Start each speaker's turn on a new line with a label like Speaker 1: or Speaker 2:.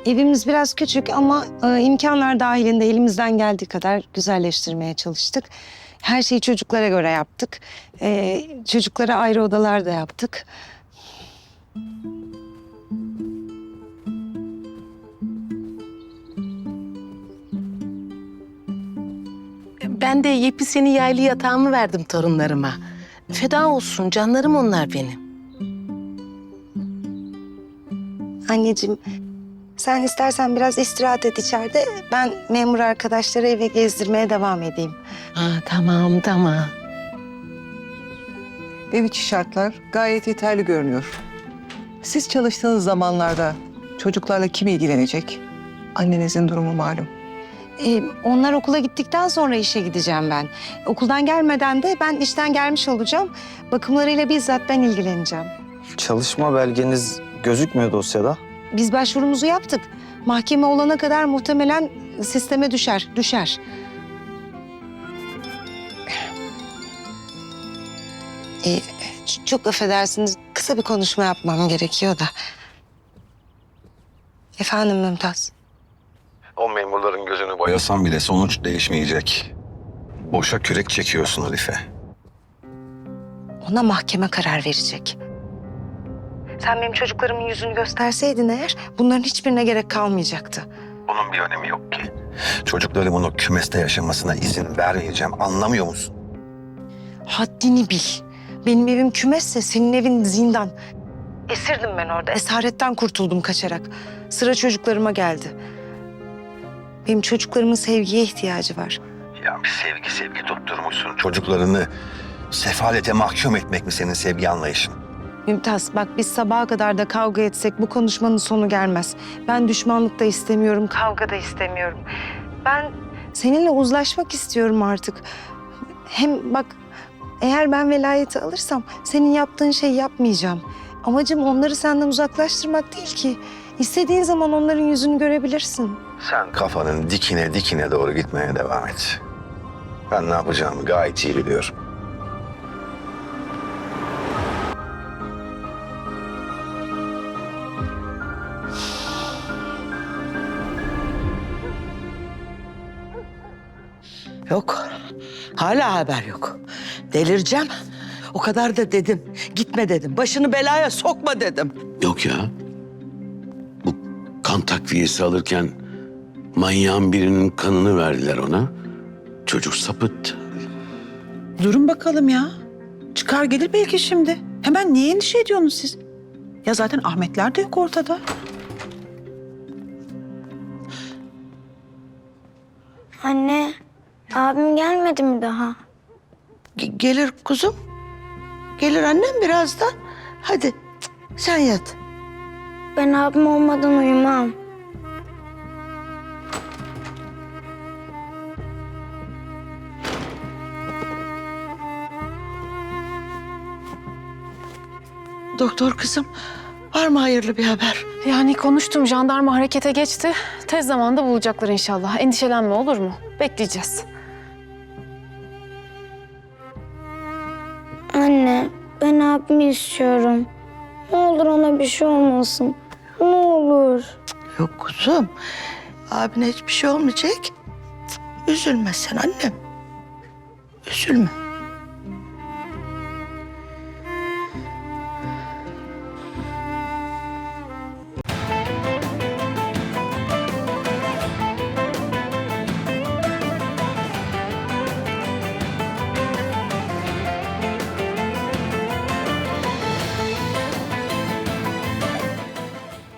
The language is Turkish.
Speaker 1: Evimiz biraz küçük ama imkanlar dahilinde elimizden geldiği kadar güzelleştirmeye çalıştık. Her şeyi çocuklara göre yaptık. Çocuklara ayrı odalar da yaptık.
Speaker 2: Ben de yepyeni yaylı yatağımı verdim torunlarıma. Feda olsun, canlarım onlar benim.
Speaker 1: Anneciğim, sen istersen biraz istirahat et içeride. Ben memur arkadaşları eve gezdirmeye devam edeyim.
Speaker 2: Ha, tamam.
Speaker 3: Ev içi şartlar gayet yeterli görünüyor. Siz çalıştığınız zamanlarda çocuklarla kim ilgilenecek? Annenizin durumu malum.
Speaker 1: Onlar okula gittikten sonra işe gideceğim ben. Okuldan gelmeden de ben işten gelmiş olacağım. Bakımlarıyla bizzat ben ilgileneceğim.
Speaker 4: Çalışma belgeniz gözükmüyor dosyada.
Speaker 1: Biz başvurumuzu yaptık. Mahkeme olana kadar muhtemelen sisteme düşer. Çok affedersiniz. Kısa bir konuşma yapmam gerekiyor da. Efendim Mümtaz.
Speaker 5: O memurların gözünü boyasan bile sonuç değişmeyecek. Boşa kürek çekiyorsun Arife.
Speaker 1: Ona mahkeme karar verecek. Sen benim çocuklarımın yüzünü gösterseydin eğer bunların hiçbirine gerek kalmayacaktı.
Speaker 5: Bunun bir önemi yok ki. Çocuklarımın o kümeste yaşamasına izin vermeyeceğim. Anlamıyor musun?
Speaker 1: Haddini bil. Benim evim kümesse senin evin zindan. Esirdim ben orada. Esaretten kurtuldum kaçarak. Sıra çocuklarıma geldi. Benim çocuklarımın sevgiye ihtiyacı var.
Speaker 5: Ya bir sevgi tutturmuşsun. Çocuklarını sefalete mahkum etmek mi senin sevgi anlayışın?
Speaker 1: Mümtaz bak biz sabaha kadar da kavga etsek bu konuşmanın sonu gelmez. Ben düşmanlık da istemiyorum, kavga da istemiyorum. Ben seninle uzlaşmak istiyorum artık. Hem bak eğer ben velayeti alırsam senin yaptığın şeyi yapmayacağım. Amacım onları senden uzaklaştırmak değil ki. İstediğin zaman onların yüzünü görebilirsin.
Speaker 5: Sen kafanın dikine doğru gitmeye devam et. Ben ne yapacağımı gayet iyi biliyorum.
Speaker 6: Yok. Hala haber yok. Delireceğim. O kadar da dedim. Gitme dedim. Başını belaya sokma dedim.
Speaker 7: Yok ya. Bu kan takviyesi alırken manyağın birinin kanını verdiler ona. Çocuk sapıttı.
Speaker 8: Durun bakalım ya. Çıkar gelir belki şimdi. Hemen niye endişe ediyorsunuz siz? Ya zaten Ahmetler de yok ortada.
Speaker 9: Anne, abim gelmedi mi daha?
Speaker 6: Gelir kuzum. Gelir annem birazdan. Hadi sen yat.
Speaker 9: Ben abim olmadan uyumam.
Speaker 6: Doktor kızım, var mı hayırlı bir haber?
Speaker 10: Yani konuştum, jandarma harekete geçti. Tez zamanda bulacaklar inşallah. Endişelenme, olur mu? Bekleyeceğiz.
Speaker 9: Anne, ben abimi istiyorum. Ne olur ona bir şey olmasın. Ne olur.
Speaker 6: Yok kuzum. Abine hiçbir şey olmayacak. Üzülme sen annem. Üzülme.